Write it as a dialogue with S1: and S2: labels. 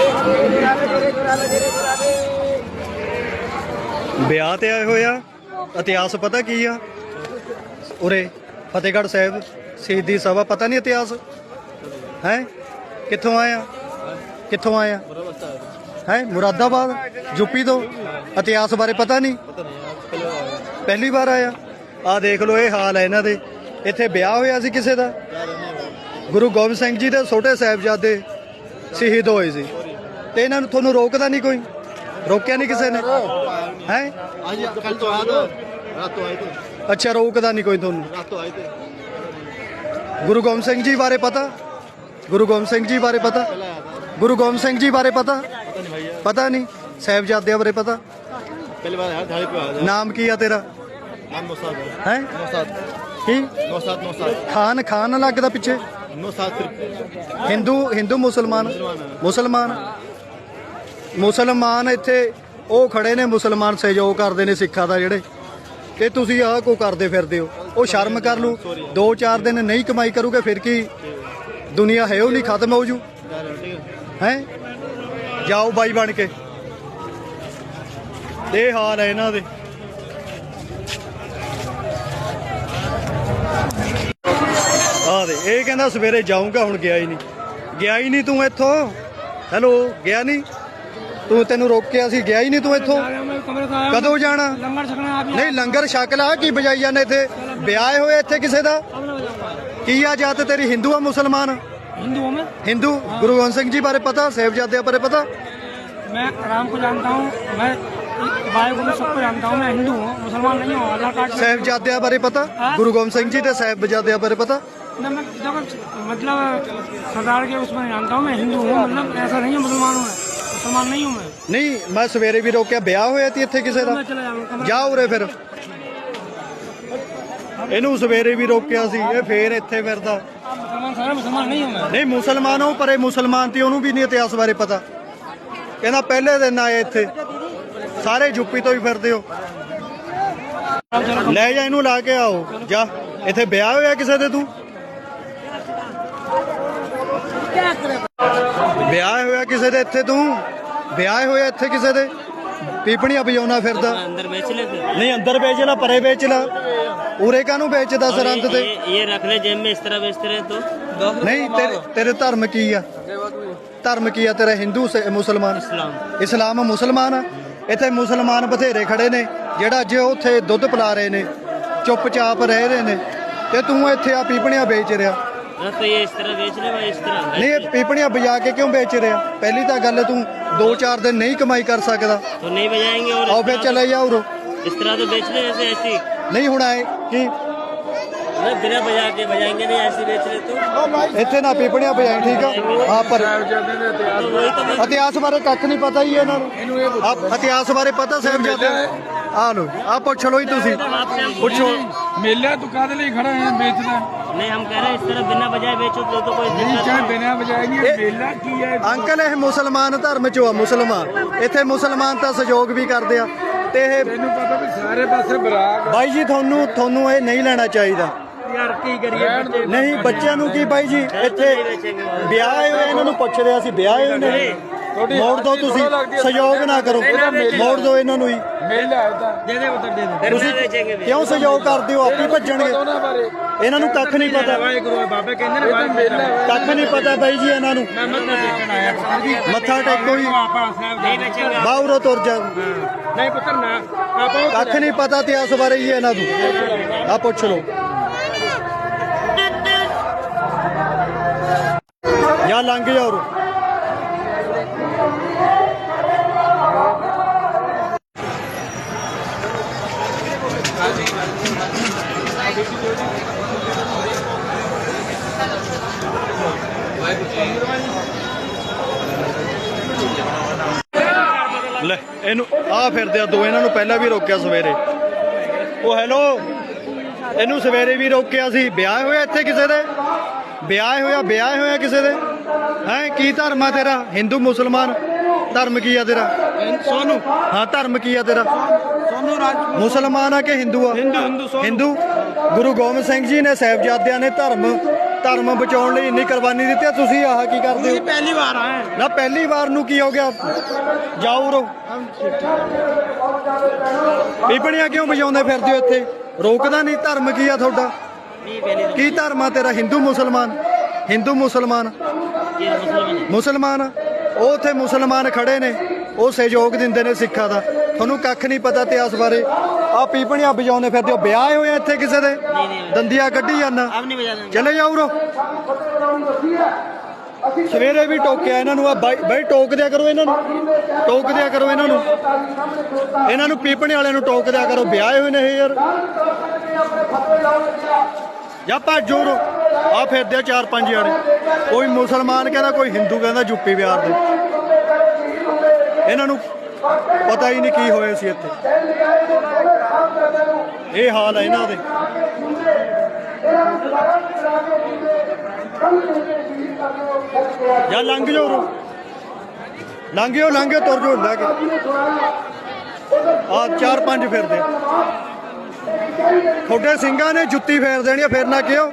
S1: ਵਿਆਹ ਤੇ ਆਏ ਹੋਏ ਆ। ਇਤਿਹਾਸ ਪਤਾ ਕੀ ਆ? ਉਰੇ ਫਤਿਹਗੜ੍ਹ ਸਾਹਿਬ ਸ਼ਹੀਦੀ ਸਭਾ ਪਤਾ ਨਹੀਂ ਇਤਿਹਾਸ ਹੈ? ਕਿੱਥੋਂ ਆਇਆ? ਕਿੱਥੋਂ ਆਇਆ ਹੈ? ਮੁਰਾਦਾਬਾਦ ਯੂਪੀ ਤੋਂ। ਇਤਿਹਾਸ ਬਾਰੇ ਪਤਾ ਨਹੀਂ? ਪਹਿਲੀ ਵਾਰ ਆਇਆ। ਆ ਦੇਖ ਲਓ ਇਹ ਹਾਲ ਹੈ ਇਹਨਾਂ ਦੇ। ਇੱਥੇ ਵਿਆਹ ਹੋਇਆ ਸੀ ਕਿਸੇ ਦਾ। ਗੁਰੂ ਗੋਬਿੰਦ ਸਿੰਘ ਜੀ ਦੇ ਛੋਟੇ ਸਾਹਿਬਜ਼ਾਦੇ ਸ਼ਹੀਦ ਹੋਏ ਸੀ ਤੇ ਇਹਨਾਂ ਨੂੰ ਤੁਹਾਨੂੰ ਰੋਕਦਾ ਨਹੀਂ ਕੋਈ? ਰੋਕਿਆ ਨਹੀਂ ਕਿਸੇ ਨੇ ਹੈ? ਅੱਛਾ, ਰੋਕਦਾ ਨਹੀਂ ਕੋਈ ਤੁਹਾਨੂੰ? ਗੁਰੂ ਗੋਬਿੰਦ ਸਿੰਘ ਜੀ ਬਾਰੇ ਪਤਾ? ਗੁਰੂ ਗੋਬਿੰਦ ਸਿੰਘ ਜੀ ਬਾਰੇ ਪਤਾ? ਗੁਰੂ ਗੋਬਿੰਦ ਸਿੰਘ ਜੀ ਬਾਰੇ ਪਤਾ? ਪਤਾ ਨਹੀਂ। ਸਾਹਿਬਜ਼ਾਦਿਆਂ ਬਾਰੇ ਪਤਾ? ਨਾਮ ਕੀ ਆ ਤੇਰਾ? ਹੈ ਕੀ? ਖਾਨ ਖਾਨ ਲੱਗਦਾ ਪਿੱਛੇ। ਹਿੰਦੂ ਮੁਸਲਮਾਨ? ਮੁਸਲਮਾਨ ਇੱਥੇ ਉਹ ਖੜੇ ਨੇ, ਮੁਸਲਮਾਨ ਸਹਿਯੋਗ ਕਰਦੇ ਨੇ ਸਿੱਖਾਂ ਦਾ ਜਿਹੜੇ, ਤੇ ਤੁਸੀਂ ਆਹ ਕੋ ਕਰਦੇ ਫਿਰਦੇ ਹੋ? ਉਹ ਸ਼ਰਮ ਕਰ ਲੂ। 2-4 ਦਿਨ ਨਹੀਂ ਕਮਾਈ ਕਰੂਗੇ ਫਿਰ ਕੀ ਦੁਨੀਆ ਹੈ ਉਹ ਨਹੀਂ ਖਤਮ ਹੋ ਜੂ ਹੈ? ਜਾਓ ਬਾਈ ਬਣ ਕੇ। ਇਹ ਹਾਲ ਹੈ ਇਹਨਾਂ ਦੇ। ਆ ਦੇ ਇਹ ਕਹਿੰਦਾ ਸਵੇਰੇ ਜਾਊਂਗਾ, ਹੁਣ ਗਿਆ ਹੀ ਨਹੀਂ ਤੂੰ ਇੱਥੋਂ। ਹੈਲੋ, ਗਿਆ ਨਹੀਂ ਤੂੰ? ਤੈਨੂੰ ਰੋਕਿਆ ਸੀ, ਗਿਆ ਹੀ ਨਹੀਂ ਤੂੰ ਇੱਥੋਂ। ਕਦੋਂ ਜਾਣਾ? ਨਹੀਂ ਲੰਗਰ ਛਕ ਲਾ। ਕੀ ਬਜਾਈ ਜਾਂਦੇ ਇੱਥੇ? ਵਿਆਹ ਹੋਏ ਇੱਥੇ ਕਿਸੇ ਦਾ? ਕੀ ਆ ਜਾਤ ਤੇਰੀ? ਹਿੰਦੂ ਆ ਮੁਸਲਮਾਨ? हिंदू। गुरु गोविंद सिंह जी बारे पता? साहिबजादे बारे पता?
S2: मैं राम को जानता हूँ, मैं भाई को सबको जानता हूँ। मैं हिंदू हूँ, मुसलमान नहीं हूँ। अल्लाह का
S1: साहिबजादे बारे पता? गुरु गोविंद सिंह जी के साहिबजादे बारे पता?
S2: मतलब सरदार के उसमें जानता हूँ। मैं हिंदू हूँ, मतलब ऐसा नहीं है मुसलमान हूँ। मुसलमान नहीं हूँ मैं।
S1: नहीं, मैं सवेरे भी रोकिया। ब्याह होया ती इत्थे किसे दा? जा उरे फिर। ਇਹਨੂੰ ਸਵੇਰੇ ਵੀ ਰੋਕਿਆ ਸੀ, ਇਹ ਫੇਰ ਇੱਥੇ ਫਿਰਦਾ।
S2: ਮੁਸਲਮਾਨ ਨਹੀਂ ਹੂੰ ਮੈਂ।
S1: ਨਹੀਂ ਮੁਸਲਮਾਨ ਹੋ, ਪਰ ਇਹ ਮੁਸਲਮਾਨ ਤੇ ਉਹਨੂੰ ਵੀ ਨਹੀਂ ਇਤਿਹਾਸ ਬਾਰੇ ਪਤਾ। ਕਹਿੰਦਾ ਪਹਿਲੇ ਦਿਨ ਆਏ ਇੱਥੇ, ਸਾਰੇ ਯੂਪੀ ਤੋਂ ਹੀ ਫਿਰਦੇ ਹੋ। ਲੈ ਜਾ ਇਹਨੂੰ, ਲਾ ਕੇ ਆਓ। ਜਾ, ਇੱਥੇ ਵਿਆਹ ਹੋਇਆ ਕਿਸੇ ਦੇ? ਤੂੰ ਵਿਆਹ ਹੋਇਆ ਕਿਸੇ ਦੇ ਇੱਥੇ? ਤੂੰ ਵਿਆਹ ਹੋਇਆ ਇੱਥੇ ਕਿਸੇ ਦੇ? ਪੀਪਣੀਆਂ ਵਜਾਉਣਾ ਫਿਰਦਾ।
S2: ਅੰਦਰ ਵੇਚ ਲੈ।
S1: ਨਹੀਂ ਅੰਦਰ ਵੇਚ ਲਾ, ਪਰੇ ਵੇਚ ਲਾ। ਉਰੇ ਕਾਹਨੂੰ ਵੇਚਦਾ ਸਰੰਦ ਤੇ?
S2: ਇਹ ਰੱਖ ਲੈ जेब में, इस तरह बेचते रहे तो।
S1: ਨਹੀਂ ਤੇਰੇ ਧਰਮ ਕੀ ਆ? ਧਰਮ ਕੀ ਆ ਤੇਰਾ? ਹਿੰਦੂ ਮੁਸਲਮਾਨ? ਇਸਲਾਮ ਮੁਸਲਮਾਨ ਆ। ਇੱਥੇ ਮੁਸਲਮਾਨ ਬਥੇਰੇ ਖੜੇ ਨੇ ਜਿਹੜਾ ਅੱਜ ਉੱਥੇ ਦੁੱਧ ਪਿਲਾ ਰਹੇ ਨੇ, ਚੁੱਪਚਾਪ ਰਹਿ ਰਹੇ ਨੇ, ਤੇ ਤੂੰ ਇੱਥੇ ਆ ਪੀਪਣੀਆਂ ਵੇਚ ਰਿਹਾ। ਨਹੀਂ, ਇਹ ਪੀਪਣੀਆਂ ਵਜਾ ਕੇ ਕਿਉਂ ਵੇਚ ਰਿਹਾ? ਪਹਿਲੀ ਤਾਂ ਗੱਲ ਤੂੰ 2-4 ਦਿਨ ਨਹੀਂ ਕਮਾਈ ਕਰ ਸਕਦਾ। ਆਓ ਫਿਰ ਚਲੇ ਜਾ ਉਰੋਂ।
S2: इस तरह तो बेच ले जैसे ऐसी
S1: ਨਹੀਂ ਹੁਣ ਆਏ ਕੀ
S2: बिना बजा के बजाएंगे नहीं, ऐसे बेच ले तो।
S1: ਇੱਥੇ ਨਾ ਪੀਪਣੀਆਂ ਵਜਾਈ, ਠੀਕ ਆ? ਹਾਂ, ਪਰ ਇਤਿਹਾਸ ਬਾਰੇ ਕੱਖ ਨਹੀਂ ਪਤਾ ਹੀ ਇਹਨਾਂ ਨੂੰ। ਇਤਿਹਾਸ ਬਾਰੇ ਪਤਾ ਸਾਹਿਬਜ਼ਾਦੇ? ਆ ਲੋ, ਆ ਪੁੱਛ ਲੋ ਹੀ ਤੁਸੀਂ, ਪੁੱਛੋ।
S3: मेला तू कादे लिए खड़ा है बेचना?
S2: नहीं, हम कह रहे हैं इस तरह बिना बजाए बेचो तो कोई
S3: नहीं, चाहे बिना बजाएंगे। मेला की है
S1: ਅੰਕਲ, ਇਹ ਮੁਸਲਮਾਨ ਧਰਮ ਚੋਂ ਆ। ਮੁਸਲਮਾਨ ਇੱਥੇ ਮੁਸਲਮਾਨ ਤਾਂ ਸਹਿਯੋਗ ਵੀ ਕਰਦੇ ਆ ਤੇ ਇਹ
S3: ਤੈਨੂੰ ਪਤਾ ਵੀ ਸਾਰੇ ਪਾਸੇ ਬਰਾਕ।
S1: ਬਾਈ ਜੀ ਤੁਹਾਨੂੰ ਇਹ ਨਹੀਂ ਲੈਣਾ ਚਾਹੀਦਾ
S2: यार की करिए।
S1: ਨਹੀਂ ਬੱਚਿਆਂ ਨੂੰ ਕੀ ਬਾਈ ਜੀ? ਇੱਥੇ ਵਿਆਹ ਹੋਏ ਇਹਨਾਂ ਨੂੰ ਪੁੱਛ ਰਿਹਾ ਸੀ, ਵਿਆਹ ਹੋਏ ਨੇ। ਮੋੜ ਦੋ ਤੁਸੀਂ, ਸਹਿਯੋਗ ਨਾ ਕਰੋ, ਮੋੜ ਦੋ ਇਹਨਾਂ ਨੂੰ ਹੀ।
S3: ਮੇਲਾ ਹੈ ਤਾਂ
S2: दे दे उधर दे दे।
S1: ਤੁਸੀਂ ਕਿਉਂ ਸਹਿਯੋਗ ਕਰਦੇ ਹੋ? ਆਪੇ ਭੱਜਣਗੇ।
S3: ਉਹਨਾਂ ਬਾਰੇ
S1: ਇਹਨਾਂ ਨੂੰ ਕੱਖ ਨਹੀਂ ਪਤਾ।
S2: बाबे कहते हैं ना
S3: ਮੇਲਾ
S1: ਕੱਖ ਨਹੀਂ ਪਤਾ ਬਾਈ ਜੀ ਇਹਨਾਂ ਨੂੰ। ਮੱਥਾ ਟੇਕੋ ਹੀ,
S2: नहीं बेचेंगे।
S1: ਬਾਹਰੋਂ ਤੁਰ ਜਾ।
S2: नहीं पुत्र ना आप
S1: ਕੱਖ ਨਹੀਂ ਪਤਾ ਇਤਿਹਾਸ ਬਾਰੇ ਹੀ ਇਹਨਾਂ ਨੂੰ। ਆ ਪੁੱਛ ਲਓ ਜਾਂ ਲੰਘ ਜਾਓ। ਲੈ ਇਹਨੂੰ ਆ ਫਿਰਦੇ ਆ ਦੋ। ਇਹਨਾਂ ਨੂੰ ਪਹਿਲਾਂ ਵੀ ਰੋਕਿਆ ਸਵੇਰੇ। ਉਹ ਹੈਲੋ, ਇਹਨੂੰ ਸਵੇਰੇ ਵੀ ਰੋਕਿਆ ਸੀ। ਵਿਆਹ ਹੋਇਆ ਇੱਥੇ ਕਿਸੇ ਦੇ? ਵਿਆਹ ਹੋਇਆ ਕਿਸੇ ਦੇ? ਹੈ ਕੀ ਧਰਮ ਆ ਤੇਰਾ? ਹਿੰਦੂ ਮੁਸਲਮਾਨ? ਧਰਮ ਕੀ ਆ ਤੇਰਾ?
S2: सोनू।
S1: ਹਾਂ, ਧਰਮ ਕੀ ਆ ਤੇਰਾ?
S2: सोनू राज।
S1: ਮੁਸਲਮਾਨ ਆ ਕਿ ਹਿੰਦੂ ਆ?
S2: हिंदू।
S1: ਹਿੰਦੂ। ਗੁਰੂ ਗੋਬਿੰਦ ਸਿੰਘ ਜੀ ਨੇ ਸਾਹਿਬਜ਼ਾਦਿਆਂ ਨੇ ਧਰਮ ਧਰਮ ਬਚਾਉਣ ਲਈ ਇੰਨੀ ਕੁਰਬਾਨੀ ਦਿੱਤੀ ਆ, ਤੁਸੀਂ ਆਹ ਕੀ ਕਰਦੇ ਹੋ?
S2: पहली बार आए
S1: ਨਾ ਪਹਿਲੀ ਵਾਰ ਨੂੰ ਕੀ ਹੋ ਗਿਆ? ਜਾਓ ਰੋ ਪੀਪਣੀਆਂ ਕਿਉਂ ਵਜਾਉਂਦੇ ਫਿਰਦੇ ਹੋ ਇੱਥੇ? ਰੋਕਦਾ ਨਹੀਂ? ਧਰਮ ਕੀ ਆ ਤੁਹਾਡਾ? ਕੀ ਧਰਮ ਆ ਤੇਰਾ? ਹਿੰਦੂ ਮੁਸਲਮਾਨ? ਹਿੰਦੂ ਮੁਸਲਮਾਨ ਮੁਸਲਮਾਨ ਉਹ ਉੱਥੇ ਮੁਸਲਮਾਨ ਖੜੇ ਨੇ, ਉਹ ਸਹਿਯੋਗ ਦਿੰਦੇ ਨੇ ਸਿੱਖਾਂ ਦਾ। ਤੁਹਾਨੂੰ ਕੱਖ ਨਹੀਂ ਪਤਾ ਇਤਿਹਾਸ ਬਾਰੇ। ਆ ਪੀਪਣੀਆਂ ਵਜਾਉਂਦੇ ਫਿਰਦੇ ਹੋ। ਵਿਆਹ ਹੋਇਆ ਇੱਥੇ ਕਿਸੇ ਦੇ? ਦੰਦੀਆਂ ਕੱਢੀ ਜਾਂਦਾ। ਚਲੇ ਜਾਓ ਰੋ। ਸਵੇਰੇ ਵੀ ਟੋਕਿਆ ਇਹਨਾਂ ਨੂੰ। ਆ ਬਾਈ ਟੋਕ ਦਿਆ ਕਰੋ ਇਹਨਾਂ ਨੂੰ, ਟੋਕ ਦਿਆ ਕਰੋ ਇਹਨਾਂ ਨੂੰ, ਇਹਨਾਂ ਨੂੰ ਪੀਪਣੇ ਵਾਲਿਆਂ ਨੂੰ ਟੋਕ ਦਿਆ ਕਰੋ। ਵਿਆਹ ਹੋਏ ਨੇ ਇਹ ਯਾਰ। ਜਾਂ ਭੱਜੋ ਰੋ। ਆ ਫਿਰਦੇ ਆ 4-5 ਜਾਣੇ, ਕੋਈ ਮੁਸਲਮਾਨ ਕਹਿੰਦਾ, ਕੋਈ ਹਿੰਦੂ ਕਹਿੰਦਾ, ਯੂਪੀ ਬਿਹਾਰ ਦੇ। ਇਹਨਾਂ ਨੂੰ ਪਤਾ ਹੀ ਨਹੀਂ ਕੀ ਹੋਇਆ ਸੀ ਇੱਥੇ। ਇਹ ਹਾਲ ਹੈ ਇਹਨਾਂ ਦੇ। ਜਾਂ ਲੰਘ ਜਾਓ ਰੋ, ਲੰਘ ਜਾਓ ਤੁਰ ਜਾਓ ਲੈ ਕੇ। ਆ 4-5 ਫਿਰਦੇ। ਤੁਹਾਡੇ ਸਿੰਘਾਂ ਨੇ ਜੁੱਤੀ ਫੇਰ ਦੇਣੀ ਆ, ਫਿਰ ਨਾ ਕਿਉਂ?